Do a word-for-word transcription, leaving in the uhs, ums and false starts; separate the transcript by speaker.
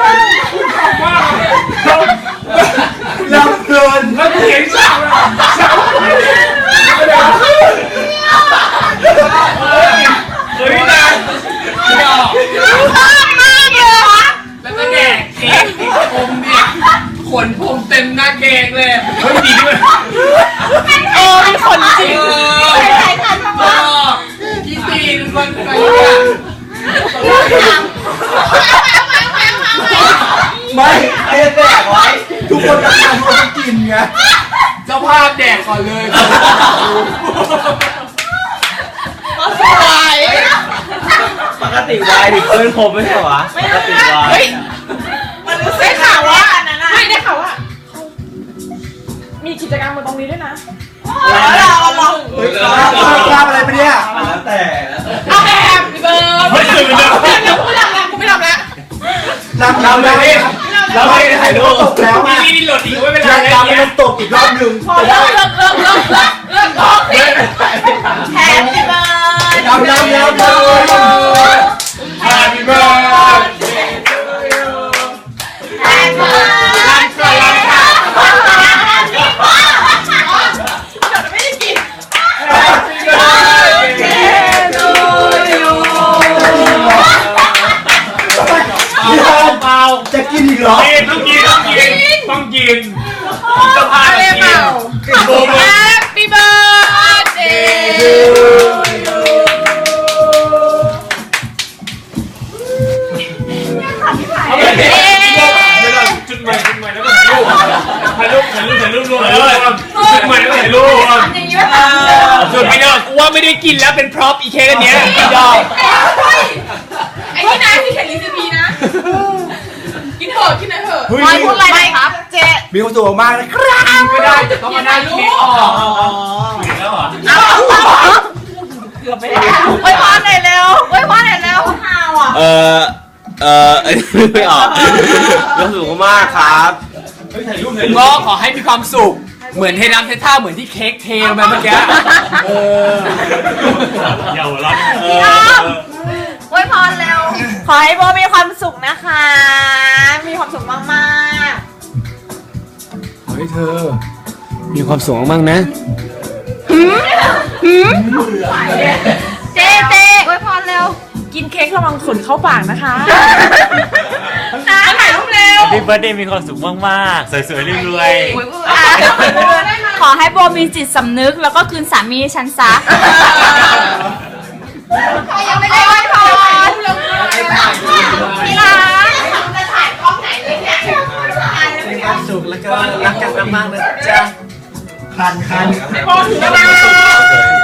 Speaker 1: ลำเพลินแล้วเห็นฉากเลยฉากเฮ้ยนะไม่ออก
Speaker 2: ชอบมากเลย
Speaker 3: แล้วก็แดกเค้กที่ผมเนี่ยขนผมเต็มหน้าเค้กเลย
Speaker 1: เฮ้ยดีด้วย
Speaker 2: โอ้เป็นคนจริงใครๆกันทั้งนั้น
Speaker 3: พี่ตีนคนไป
Speaker 1: ไม่ไอ้แดกไว้ทุกคนจะทำเขาจะกินไง
Speaker 3: เจ้าภาพแดกก่อนเลย
Speaker 2: สวย
Speaker 4: ปกติวายดิเพื่อนผมไม่ใช่หรอปกติวาย
Speaker 2: มันได้ข่าวว่าไม่ได้ข่าวว่ามีกิจกรรมมาตรงนี้ด้วยนะเราเรา
Speaker 1: เฮ้ยกล้าอะไรไปเนี่ย
Speaker 4: แล้วแต่
Speaker 2: เอาแบบพี่เบิร์ดไม่ตื่นเลยเดี๋ยวกูไม่ทำแล้วกูไม่ทำแล้ว
Speaker 1: รำเราเลยเราไม่ได้ถ่ายรูปตกแล้วอ่ะ
Speaker 3: นี่หลุดอีกไม่เป็นไร
Speaker 1: รำมันตกอีกรอบหนึ่ง
Speaker 2: เลิกเลิกเลิกเลิกเลิกเลิกร้องสิแฮปปี้เบิร์ด
Speaker 1: รำรำรำรำ
Speaker 3: Happy birthday to you
Speaker 2: Happy birthday ไม่ได้กิน
Speaker 3: Happy birthday to you
Speaker 1: เปล่าจะกินอีกเหรอ
Speaker 3: ต้องกินต้องกินต้องกินจะพาไปกิน
Speaker 2: Happy birthday to you
Speaker 3: เอาไปเดี๋ยวเราจุดใหม่จุดใหม่แล้วก็ถ่ายรูปถ่ายรูปถ่ายรูปถ่ายรูปเลยจุดใหม่แล้วถ่ายรูปจุดไม่ได้กูว่าไม่ได้กินแล้วเป็นพร็อพอีเค้กอันเนี้ยยอม
Speaker 2: ไอ้นี่นะที่เขียนรีซิปีนะกินเถอะกินเถอะไม่พูดอะไรครับเจ๊
Speaker 1: มีความสุขมากนะครับ
Speaker 3: ไม่ได้แต่ต้องมาได้เค้กออกแล้วเหรอ
Speaker 2: เกือบไปแล้วไว้พรหน่อยเร็วไว้พรหน่อยเร็วข้าวอ่ะ
Speaker 4: เออเออไม่ออกรู้สึกมากครับ
Speaker 3: ก็ขอให้มีความสุขเหมือนเทน้ำเทท่าเหมือนที่เค้กเทมาเมื่อกี้เออเยาวราช
Speaker 2: ไว้พรเร็วขอให้โบมีความสุขนะคะมีความสุขมาก
Speaker 3: ๆขอให้เธอมีความสุขมากๆนะ
Speaker 2: เจ๊เจ๊ไว้พรเร็วกินเค้กระวังขนเข้าปากนะคะนะถ่ายรูปเร็ว
Speaker 5: Happy birthday มีความสุขมากๆสวยๆรวย
Speaker 2: ๆขอให้โบมีจิตสำนึกแล้วก็คืนสามีฉันซะยังไม่ได้ไว้พรพี่รักจะถ่ายกล้องไหนเลยเนี่ย
Speaker 4: มีความสุขแล้วก็รักกันมากๆนะจ๊ะ
Speaker 1: คันคัน
Speaker 2: พอถึงแล้ว